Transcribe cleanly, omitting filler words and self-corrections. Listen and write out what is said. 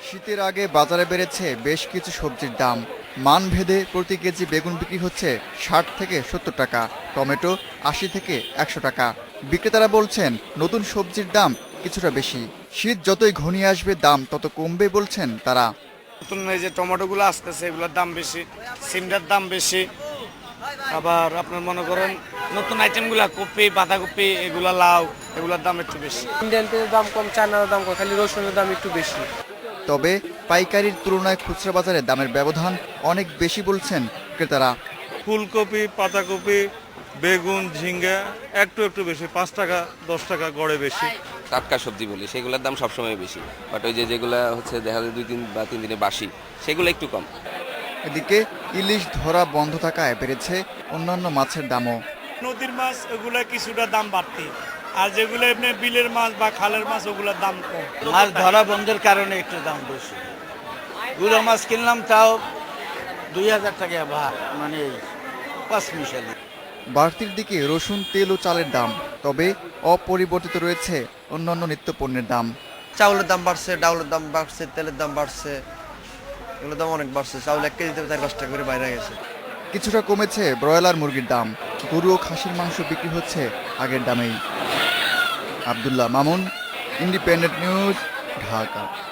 শীতের আগে বাজারে বেড়েছে বেশ কিছু সবজির দাম। মানভেদে প্রতি কেজি বেগুন বিক্রি হচ্ছে ৬০ থেকে ৭০ টাকা, টমেটো ৮০ থেকে ১০০ টাকা। বিক্রেতারা বলছেন নতুন সবজির দাম কিছুটা বেশি। শীত যতই ঘনিয়ে আসবে দাম তত কমবে বলছেন তারা। নতুন এই যে টমেটোগুলো আসতেছে এগুলোর দাম বেশি, সিমটার দাম বেশি। আবার আপনার মনে করেন নতুন আইটেমগুলো কপি, বাঁধাকপি, এগুলা লাউ, এগুলোর দাম একটু বেশি। ইন্ডিয়ান তেলের দাম কম, চায়নার দাম কম, খালি রসুনের দাম একটু বেশি। তবে পাইকারির তুলনায় খুচরা বাজারে দামের ব্যবধান অনেক বেশি বলছেন ক্রেতারা। ফুলকপি, পাতাকপি, বেগুন, ঝিঙ্গা একটু বেশি, 5 টাকা 10 টাকা গড়ে বেশি। টাটকা সবজি বলি সেগুলোর দাম সবসময় বেশি, বাট ওই যেগুলো হচ্ছে দেখা যায় 2 বা 3 দিনে বাসি, সেগুলো একটু কম। এদিকে ইলিশ ধরা বন্ধ থাকায় বেড়েছে অন্যান্য মাছের দামও। নদীর মাছ ওগুলো কিছুটা দাম বাড়তি, আর যেগুলো এমনি বিলের মাছ বা খালের মাছ ওগুলোর দাম কম। মাছ ধরা বন্ধের কারণে একটু দাম বেশি। গুঁড়ো মাছ কিনলাম তাও 2000 টাকা ভাগ, মানে 5 মিশালি। বাড়তির দিকে রসুন, তেল ও চালের দাম, তবে অপরিবর্তিত রয়েছে অন্যান্য নিত্যপণ্যের দাম। চাউলের দাম বাড়ছে, ডাউলের দাম বাড়ছে, তেলের দাম বাড়ছে, এগুলোর দাম অনেক বাড়ছে। চাউল 1 কেজিতে 4-5 টাকা করে বাইরে গেছে। কিছুটা কমেছে ব্রয়লার মুরগির দাম। গরু ও খাসির মাংস বিক্রি হচ্ছে আগের দামেই। Abdullah Mamun, Independent News, Dhaka.